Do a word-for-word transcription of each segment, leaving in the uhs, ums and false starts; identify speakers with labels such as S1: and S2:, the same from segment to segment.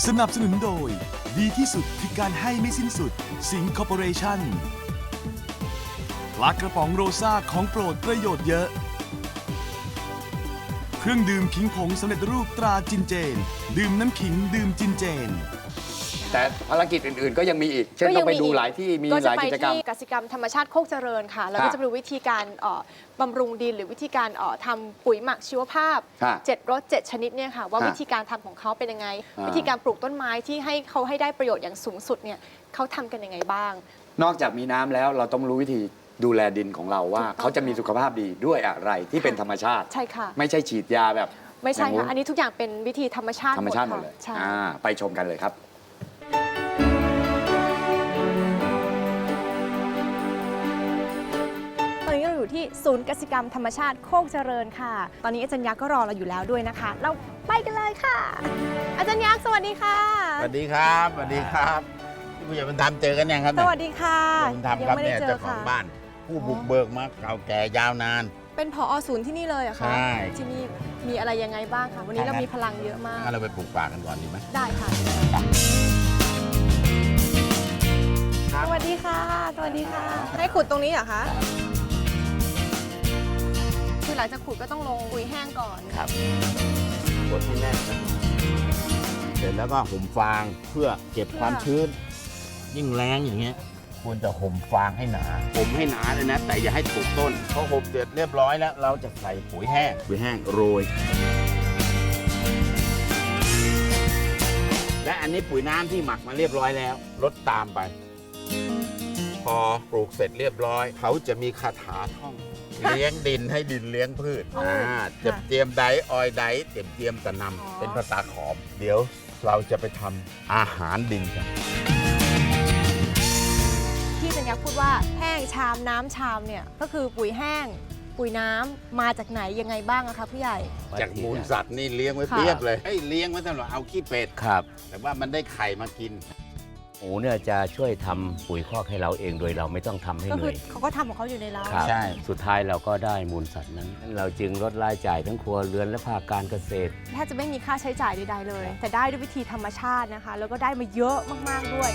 S1: สนับสนุนโดยดีที่สุดคือการให้ไม่สิ้นสุดสิงห์คอร์ปอเรชั่นปลากระป๋องโรซ่าของโปรดประโยชน์เยอะเครื่องดื่มขิงผงสำเร็จรูปตราจินเจนดื่มน้ำขิงดื่มจินเจน
S2: แต่ภารกิจอื่นๆก็ยังมีอีกเช่นต้องไปดูหลายที่มีหลายกิจกรรม
S3: ก็จะไปที่กสิกรรมธรรมชาติโคกเจริญค่ะแล้วก็จะไปดูวิธีการบำรุงดินหรือวิธีการทำปุ๋ยหมักชีวภาพเจ็ดรสเจ็ดชนิดเนี่ยค่ะว่าวิธีการทำของเขาเป็นยังไงวิธีการปลูกต้นไม้ที่ให้เขาให้ได้ประโยชน์อย่างสูงสุดเนี่ยเขาทำกันยังไงบ้าง
S2: นอกจากมีน้ำแล้วเราต้องรู้วิธีดูแลดินของเราว่าเขาจะมีสุขภาพดีด้วยอะไรที่เป็นธรรมชาติ
S3: ใช่ค่ะ
S2: ไม่ใช่ฉีดยาแบบ
S3: ไม่ใช่ค่ะอันนี้ทุกอย่างเป็นวิธีธรรมชาติ
S2: ธรรมชาติหมดเลยไปชมกันเลยครับ
S3: ตอนนี้เราอยู่ที่ศูนย์กสิกรรมธรรมชาติโคกเจริญค่ะตอนนี้อาจารย์ยักษ์ก็รอเราอยู่แล้วด้วยนะคะเราไปกันเลยค่ะอาจารย์ยักษ์สวัสดีค่ะ
S4: สวัสดีครับสวัสดีครับที่ผู้ใหญ่บุญธรรมเจอกันยังครับ
S3: สวัสดีค่ะ
S4: บุญธรรมครับเนี่ยเจ้าของบ้านผู้บุกเบิกมาเก่าแก่ยาวนาน
S3: เป็นผอ.ศูนย์ที่นี่เลยเหรอคะ
S4: ใช่
S3: ที่นี่มีอะไรยังไงบ้างคะวันนี้เรามีพลังเยอะมาก
S4: งั้นเราไปปลูกป่ากันก่อนดีไหม
S3: ได้ค่ะสวัสดีค่ะสวัสดีค่ะให้ขุดตรงนี้เหรอคะคือหลังจากขุดก็ต้องลงปุ๋ยแห้งก่อน
S4: ครับกดให้แน่นเสร็จแล้วก็ห่มฟางเพื่อเก็บความชื้นยิ่งแรงอย่างเงี้ยควรจะห่มฟางให้หนาห่มให้หนาเลยนะแต่อย่าให้ถูกต้นพอห่มเสร็จเรียบร้อยแล้วเราจะใส่ปุ๋ยแห้งปุ๋ยแห้งโรยและอันนี้ปุ๋ยน้ำที่หมักมาเรียบร้อยแล้วลดตามไปพอปลูกเสร็จเรียบร้อยเขาจะมีคาถาท่องเลี้ยงดินให้ดินเลี้ยงพืชอ่าจะเตรียมไดออยไดเตรียมเตรียมตะนำเป็นภาษาขอมเดี๋ยวเราจะไปทำอาหารดินกัน
S3: ที่อาจารย์ยักษ์พูดว่าแห้งชามน้ำชามเนี่ยก็คือปุ๋ยแห้งปุ๋ยน้ำมาจากไหนยังไงบ้างอะคะผู้ใหญ่
S4: จากมูลสัตว์นี่เลี้ยงไว้เพียบเลยให้เลี้ยงไว้ตลอดเอาขี้เป็ด
S5: ครับ
S4: แต่ว่ามันได้ไข่มากิน
S5: หมูเนี่ยจะช่วยทำปุ๋ยคอกให้เราเองโดยเราไม่ต้องทำให้เหนื่อย
S3: เขาก็ทำของเขาอยู่ในเรา
S5: ใช่สุดท้ายเราก็ได้มูลสัตว์นั้นเราจึงลดรายจ่ายทั้งครัวเรือนและภาคการเกษตร
S3: แทบจะไม่มีค่าใช้จ่ายใดๆเลยแต่ได้ด้วยวิธีธรรมชาตินะคะแล้วก็ได้มาเยอะมากๆด้วย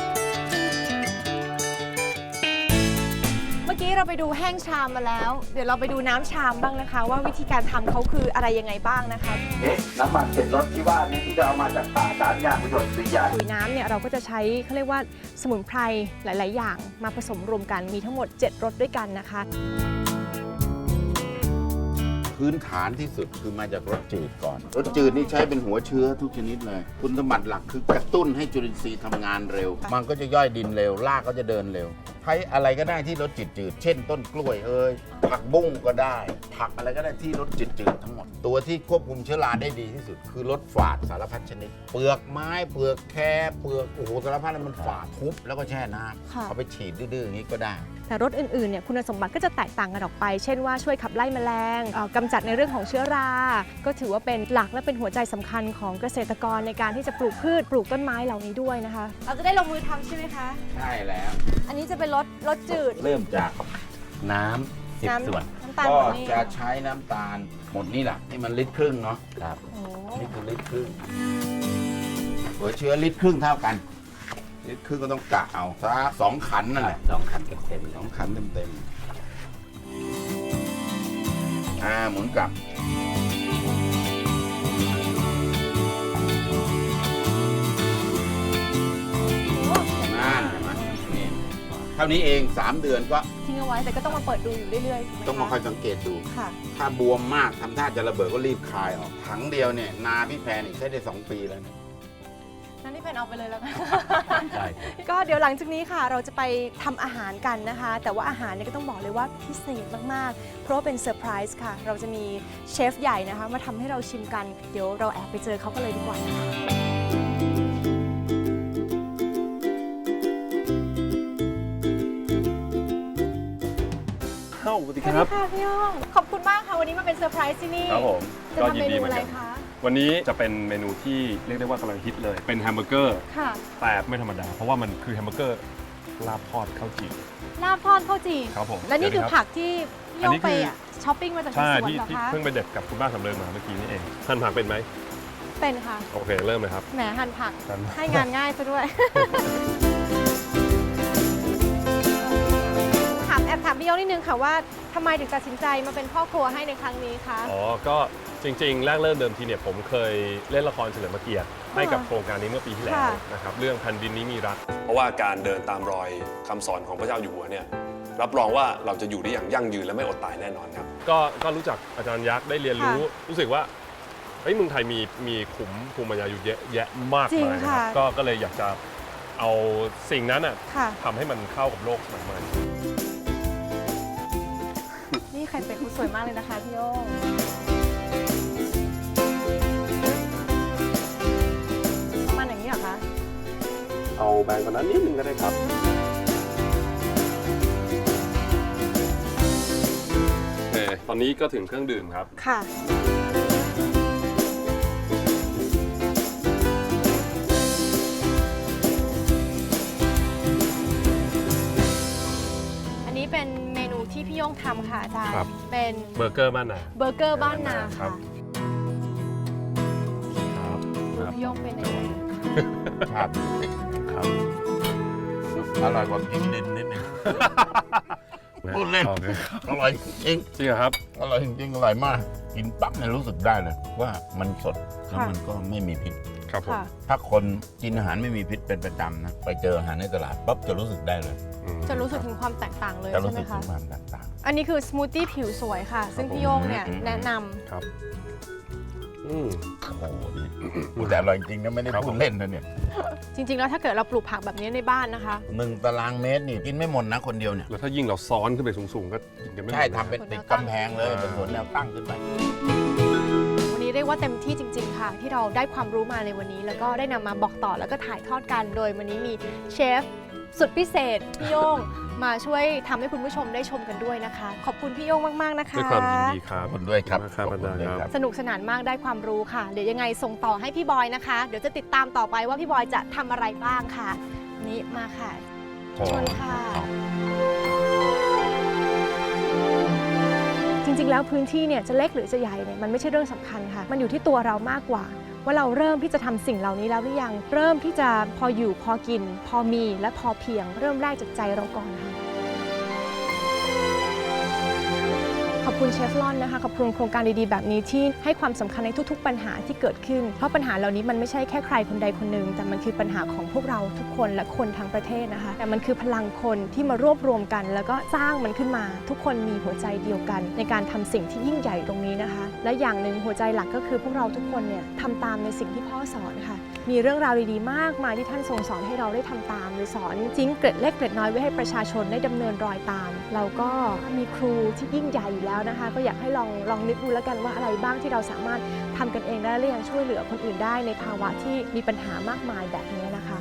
S3: เมื่อกี้เราไปดูแห้งชามมาแล้วเดี๋ยวเราไปดูน้ำชามบ้างนะคะว่าวิธีการทำเขาคืออะไรยังไงบ้างนะคะ
S2: น้ำมันเจ็ดรสที่ว่านี้ที่จะเอามาจากป่าสารยางประโยชน์สี่อย่าง
S3: ปุ๋ยน้ำเนี่ยเราก็จะใช้เขาเรียกว่าสมุนไพรหลายๆอย่างมาผสมรวมกันมีทั้งหมดเจ็ดรสด้วยกันนะคะ
S4: พื้นฐานที่สุดคือมาจากรสจืดก่อนรสจืดนี่ใช้เป็นหัวเชื้อทุกชนิดเลยคุณสมบัติหลักคือกระตุ้นให้จุลินทรีย์ทำงานเร็วมันก็จะย่อยดินเร็วรากก็จะเดินเร็วใช้อะไรก็ได้ที่รสจืดๆเช่นต้นกล้วยเอ่ยผักบุ้งก็ได้ผักอะไรก็ได้ที่รสจืดๆทั้งหมดตัวที่ควบคุมเชื้อราได้ดีที่สุดคือรสฝาดสารพัดชนิดเปลือกไม้เปลือกแคเปลือกโอ้โหสารพัดมันฝาดทุบแล้วก็แช่น้ำเอาไปฉีดดื้อๆอย่างนี้ก็ได้
S3: แต่รสอื่นๆเนี่ยคุณสมบัติก็จะแตกต่างกันออกไปเช่นว่าช่วยขับไล่แมลงกำจัดในเรื่องของเชื้อราก็ถือว่าเป็นหลักและเป็นหัวใจสำคัญของเกษตรกรในการที่จะปลูกพืชปลูกต้นไม้เหล่านี้ด้วยนะคะเราจะได้ลงมือทำใช่ไหมคะ
S4: ใช่แล้ว
S3: อันนี้จะเป็นรสรสจืด
S4: เริ่มจาก
S5: น้ำสิบส่วน
S4: ก็จะใช้น้ำตาลหมดนี่แหละนี่มันลิตรครึ่งเนาะ
S5: ครับ
S4: นี่คือลิตรครึ่งหัวเชื้อลิตรครึ่งเท่ากันลิตรครึ่งก็ต้องกะเอาสักสองขันนั่นแหละ
S5: สองขันเต็ม
S4: สองขันเต็มเต็มอ่าหมุนกลับนั่นเห็นไหมนี่เท่านี้เองสามเดือนก็
S3: ทิ้งเอาไว้แต่ก็ต้องมาเปิดดูอยู่เรื่อยๆ
S4: ต้องมาคอยสังเกตดูถ้าบวมมากทำท่าจะระเบิดก็รีบคายออกถังเดียวเนี่ยนาพี่แพรนี่ใช้ได้สองปีแล้วนะ
S3: นั่นที่แพนเอาไปเลยแล้วกันก็เดี๋ยวหลังจากนี้ค่ะเราจะไปทำอาหารกันนะคะแต่ว่าอาหารเนี่ยก็ต้องบอกเลยว่าพิเศษมากๆเพราะว่าเป็นเซอร์ไพรส์ค่ะเราจะมีเชฟใหญ่นะคะมาทำให้เราชิมกันเดี๋ยวเราแอบไปเจอเขากันเลยดีกว่านะคะ
S6: สวัสดีครับ
S3: สวัสดีค่ะพี่ย่องขอบคุณมากค่ะวันนี้มาเป็นเซอร์ไพรส์ที่นี่
S6: ครับผม
S3: ก็ยินดีเหมือนกัน
S6: วันนี้จะเป็นเมนูที่เรียกได้ว่ากำลังฮิตเลยเป็นแฮมเบอร์เกอร์แต่ไม่ธรรมดาเพราะว่ามันคือแฮมเบอร์เกอร์ลาบทอดข้าวจี่
S3: ลาบทอดข้าวจี่
S6: ครับผม
S3: และนี่คือผักที่พี่ย่องไปช้อปปิ้งมาจากสวนเหรอคะ
S6: ใช่ที่เพิ่งไปเด็ดกับคุณป้าสำเริงมาเมื่อกี้นี่เองท่านผักเป็นไหม
S3: เป็นค่ะ
S6: โอเคเริ่มเลยครับ
S3: แหมหั่นผัก
S6: หั่นผัก
S3: ให้งานง่ายซะด้วย ถามแอบถามพี่โยงนิดนึงค่ะว่าทำไมถึงตัดสินใจมาเป็นพ่อครัวให้ในครั้งนี้คะ
S6: อ๋อก็จริงๆ แรกเริ่มเดิมทีเนี่ยผมเคยเล่นละครเฉลิมพระเกียรติให้กับโครงการนี้เมื่อปีที่แล้ว
S3: ค่ะ
S6: นะครับเรื่องแผ่นดินนี้มีรัก เพราะว่าการเดินตามรอยคำสอนของพระเจ้าอยู่หัวเนี่ยรับรองว่าเราจะอยู่ได้อย่างยั่งยืนและไม่อดตายแน่นอนครับก็ก็รู้จักอาจารย์ยักษ์ได้เรียนรู้รู้สึกว่าเฮ้ยเมืองไทยมีมีขุมภูมิปัญญาอยู่เยอะแยะมาก
S3: จริง
S6: มายนะครับ
S3: ค่ะ
S6: ก็ก็เลยอยากจะเอาสิ่งนั้นอ่ะ
S3: ค่ะ
S6: ทำให้มันเข้ากับโลกสมัยใหม่
S3: นี่ไข่เป็ดคุณสวยมากเลยนะคะพี่โยงประมาณอย่างนี้เหรอคะ
S6: เอาแบงกว่านั้นนิดนึงก็ได้ครับโอเคตอนนี้ก็ถึงเครื่องดื่มครับ
S3: ค่ะ อันนี้เป็นเมนูที่พี่โย่งทำค่ะอาจารย์
S6: ครับ
S3: เป็น
S6: เบอร์เกอร์บ้านนา
S3: เบอร์เกอร์บ้านนา
S6: ครั
S3: ค่ะ
S6: บ ครับ
S3: ดูพี่โย่งเป็นยังไง
S4: ครับ
S6: ครับ
S4: อร่อยกว่ากินดินนิดนึง พูดเล่น
S6: โอคครับ
S4: อร่อยจริง
S6: จริงเหรอครับ
S4: อร่อยจริงๆอร่อยมาก กินปั๊บเนี่ยรู้สึกได้เลยว่ามันสดแล้วมันก็ไม่มีพิษ
S6: ครับผม
S3: ค่ะ
S4: ถ้าคนกินอาหารไม่มีพิษเป็นประจำนะไปเจออาหารในตลาดปั๊บจะรู้สึกได้เลย
S6: อืม
S3: จะรู้สึกถึงความแตกต่างเลย
S4: จะ
S3: ใช่
S4: รู้
S3: ไหม
S4: สึกถึ
S3: คะ
S4: งความแตกต่าง
S3: อันนี้คือสมูทตี้ผิวสวยค่ะ ซึ่งพี่โย่งเนี่ย
S4: อืม
S3: แนะนำ
S6: ครับอืม
S4: โอ้โหดีพูดแต่อร่อยจริงนะไม่ได้
S6: ครับ
S4: พูดเล่นนะเนี่ย
S3: จริง ๆ แล้วถ้าเกิดเราปลูกผักแบบนี้ในบ้านนะคะ
S4: หนึ่งตารางเมตรนี่กินไม่หมดนะคนเดียวเนี่ย
S6: แล้วถ้ายิ่งเราซ้อนขึ้นไปสูงๆ ก็กินกันไม่หมด
S4: ใช่
S6: นะ
S4: ทำเป็นติดกำแพงเลยเป็นสวนแนวตั้งขึ้นไป
S3: วันนี้เรียกว่าเต็มที่จริง ๆ ค่ะ ที่เราได้ความรู้มาในวันนี้ แล้วก็ได้นำมาบอกต่อแล้วก็ถ่ายทอดกันโดยวันนี้มีเชฟสุดพิเศษพี่โย่งมาช่วยทำให้คุณผู้ชมได้ชมกันด้วยนะคะ ขอบคุณพี่โย่งมาก ๆ นะคะ
S6: ด้วยความยินดีครับ
S4: ขอบคุณด้วยครับ
S6: ขอบคุณมากครับอาจารย์
S4: ขอบคุณด้วย
S6: ครับ
S3: สนุกสนานมากได้ความรู้ค่ะ เดี๋ยวยังไงส่งต่อให้พี่บอยนะคะ เดี๋ยวจะติดตามต่อไปว่าพี่บอยจะทำอะไรบ้างค่ะ นี่มาค่ะเชิญค่ะ จริง ๆ แล้วพื้นที่เนี่ยจะเล็กหรือจะใหญ่เนี่ยมันไม่ใช่เรื่องสำคัญค่ะ มันอยู่ที่ตัวเรามากกว่า ว่าเราเริ่มที่จะทำสิ่งเหล่านี้แล้วหรือยัง เริ่มที่จะพออยู่พอกิน พอมีและพอเพียง เริ่มแรกจากใจเราก่อนค่ะ ขอบคุณเชฟลอนนะคะขอบคุณโครงการดีๆแบบนี้ที่ให้ความสำคัญในทุกๆ ปัญหาที่เกิดขึ้น เพราะปัญหาเหล่านี้มันไม่ใช่แค่ใครคนใดคนหนึ่งแต่มันคือปัญหาของพวกเราทุกคนและคนทั้งประเทศนะคะแต่มันคือพลังคนที่มารวบรวมกัน แล้วก็สร้างมันขึ้นมา ทุกคนมีหัวใจเดียวกัน ในการทำสิ่งที่ยิ่งใหญ่ตรงนี้นะคะ และอย่างหนึ่งหัวใจหลักก็คือพวกเราทุกคนเนี่ยทำตามในสิ่งที่พ่อสอนค่ะมีเรื่องราวดีๆมากมายที่ท่านทรงสอนให้เราได้ทำตามหรือสอนจิ้งเกร็ดเล็กเกร็ดน้อยไว้ให้ประชาชนได้ดำเนินรอยตาม เราก็มีครูที่ยิ่งใหญ่อยู่แล้วนะคะ ก็อยากให้ลองลองนึกดูแล้วกันว่าอะไรบ้างที่เราสามารถทำกันเองได้และยังช่วยเหลือคนอื่นได้ในภาวะที่มีปัญหามากมายแบบนี้นะคะ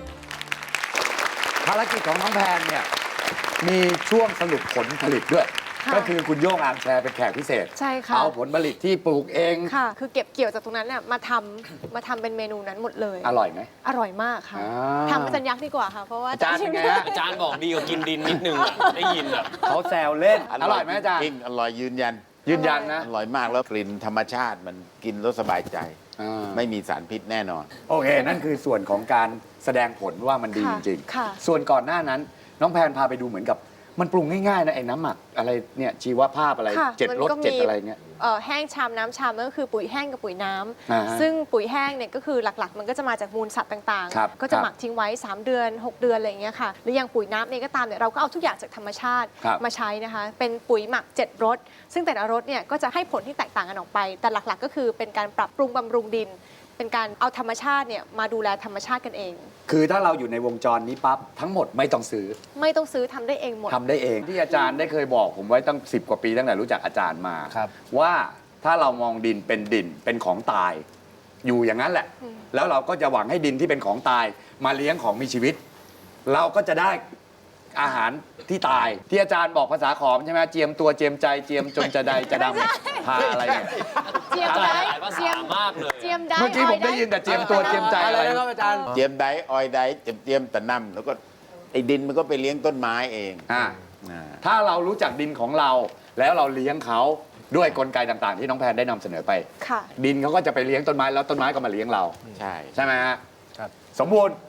S2: ภารกิจของน้องแพนเนี่ยมีช่วงสรุปผลผลิตด้วย
S3: ค่ะ
S2: ก็คือคุณโย่งอาร์มแชร์เป็นแขกพิเศษ
S3: ใช่ค่ะ
S2: เอาผลผลิตที่ปลูกเอง
S3: ค่ะ คือเก็บเกี่ยวจากตรงนั้นเนี่ยมาทำมาทำเป็นเมนูนั้นหมดเลย
S2: อร่อยไหม
S3: อร่อยมากค่ะ
S2: อ่า
S3: ทำอาจารย์ยักษ์ดีกว่าค่ะ เพราะว่า
S2: อาจารย์เป็นไงฮะ
S7: อาจารย์บอกดีกว่ากินดินนิดนึงอะได้ยินอ่ะ
S2: เขาแซวเล่น อร่อยไหมอาจารย์
S4: จริงอร่อยยืนยัน
S2: ยืนยันนะ
S4: อร่อยมากแล้วกลิ่นธรรมชาติมันกินแล้วสบายใจ
S2: อ่า
S4: ไม่มีสารพิษแน่นอน
S2: โอเค นั่นคือส่วนของการแสดงผลว่ามันดีจ
S3: ค่ะ
S2: ริง
S3: ค่ะ
S2: ๆ ส่วนก่อนหน้านั้น น้องแพนพาไปดูเหมือนกับ มันปรุงง่ายๆนะไอ้น้ำหมักอะไรเนี่ยชีวภาพอะไร
S3: ค่ะ
S2: เจ็ด
S3: มัน
S2: รส
S3: ก็มี
S2: เจ็ดอะไรเงี้ย
S3: เอ่อแห้งชามน้ำชามนั่นก็คือปุ๋ยแห้งกับปุ๋ยน้ำ
S2: อ่าฮะ
S3: ซึ่งปุ๋ยแห้งเนี่ยก็คือหลักๆ มันก็จะมาจากมูลสัตว์ต่าง
S2: ครับ
S3: ๆ ก็จะ
S2: ครับ
S3: หมักทิ้งไว้ สาม เดือน หก เดือนอะไรอย่างเงี้ยค่ะหรืออย่างปุ๋ยน้ำเองก็ตามเนี่ยเราก็เอาทุกอย่างจากธรรมชาติ
S2: ครับ
S3: มาใช้นะคะเป็นปุ๋ยหมักเจ็ดรสซึ่งแต่ละรสเนี่ยก็จะให้ผลที่แตกต่างกันออกไป แต่หลักๆ ก็คือเป็นการปรับปรุงบำรุงดิน เป็นการเอาธรรมชาติเนี่ยมาดูแลธรรมชาติกันเอง
S2: คือถ้าเราอยู่ในวงจรนี้ปั๊บทั้งหมดไม่ต้องซื้อ
S3: ไม่ต้องซื้อทำได้เองหมด
S2: ทำได้เองที่อาจารย์ได้เคยบอกผมไว้ตั้งสิบกว่าปีตั้งแต่รู้จักอาจารย์มา
S4: ครับ
S2: ว่าถ้าเรามองดินเป็นดินเป็นของตาย อยู่อย่างนั้นแหละ
S3: อืม
S2: แล้วเราก็จะหวังให้ดินที่เป็นของตาย มาเลี้ยงของมีชีวิต เราก็จะได้อาหารที่ตาย ที่อาจารย์บอกภาษาขอมใช่ไหมเจียมตัวเจียมใจเจียมจนจะใดจะดำพาอะไรเนี่ย
S3: เจียม
S7: อาจาร
S3: ได้
S7: ย์หลายภาษามากเลย
S3: เจียมได้
S2: เมื่อกี้ผมได้ยินแต่เจียมตัวเจียมใจอะไร
S7: นะครับอาจารย์
S4: เจียมไดออยไดเจียมเจียมตะนำแล้วก็ไอ้ดินมันก็ไปเลี้ยงต้นไม้เอง
S2: อ่า
S4: อ่า
S2: ถ้าเรารู้จักดินของเรา แล้วเราเลี้ยงเขาด้วยกลไกต่างๆ ที่น้องแพนได้นำเสนอไป
S3: ค่ะ
S2: ดินเขาก็จะไปเลี้ยงต้นไม้แล้วต้นไม้ก็มาเลี้ยงเรา
S4: ใช่
S2: ใช่ไหมฮะ
S7: ครับ
S2: สมบูรณ์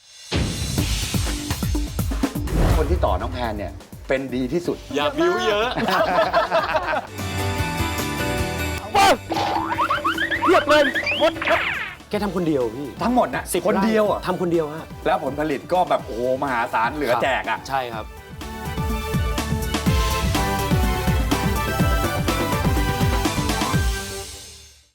S2: คนที่ต่อน้องแพนเนี่ยเป็นดีที่สุด
S7: อย่าบิวเยอะ
S2: เทียบเลยหมด
S7: แกทำคนเดียวพี่
S2: ทั้งหมดนะ
S7: สิบ
S2: คนเดียวอ่ะ
S7: ทำคนเดียวฮะ
S2: แล้วผลผลิตก็แบบโอ้โหมหาศาลเหลือแจกอ่ะ
S7: ใช่ครับ